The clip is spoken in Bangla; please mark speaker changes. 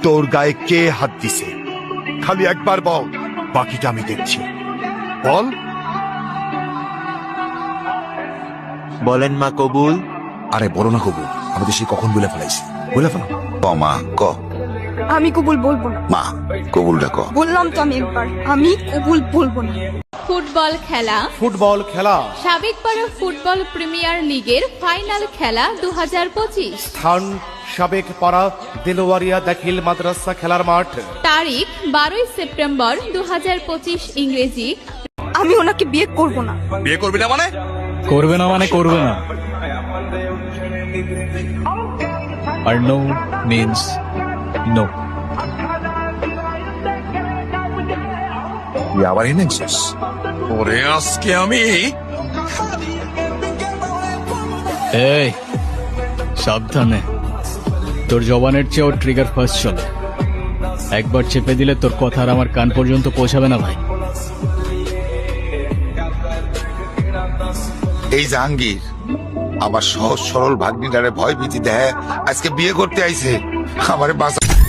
Speaker 1: তোর গায়ে কে হাত দিছে? খালি একবার বল, বাকিটা আমি দেখছি। বল।
Speaker 2: বলেন মা কবুল।
Speaker 3: আরে বলো না কবুল, আমাদের সে কখন বলে ফেলাইছি, বলে ফেলো।
Speaker 4: ক মা ক।
Speaker 5: আমি কবুল বলবো না।
Speaker 4: মা কবুলটা ক।
Speaker 5: বললাম তো আমি একবার, আমি কবুল বলবো না।
Speaker 6: ফুটবল খেলা।
Speaker 7: ফুটবল খেলা।
Speaker 6: সাবেকপাড়া ফুটবল প্রিমিয়ার লিগের ফাইনাল খেলা 2025।
Speaker 7: স্থান সাবেক পাড়া দেলোয়ারিয়া দাখিল মাদ্রাসা খেলার মাঠ।
Speaker 6: তারিখ 12 সেপ্টেম্বর 2025 ইংরেজি।
Speaker 5: আমি ওনাকে বিয়ে করব না।
Speaker 3: বিয়ে করবি না মানে?
Speaker 8: করবে না মানে করবে না। আর নো মিন্স নো।
Speaker 3: তুই আবার এনেছিস? ওরে আজকে আমি
Speaker 8: এই সাবধানে, তোর জবানের চেয়েও ট্রিগার ফার্স্ট চলে। একবার চেপে দিলে তোর কথা আর আমার কান পর্যন্ত পৌঁছাবে না ভাই।
Speaker 4: এই জাহাঙ্গীর আমার সহজ সরল ভাগ্নিটারে ভয় ভীতি দেয়, আজকে বিয়ে করতে আইছে। আমারে বাঁচা।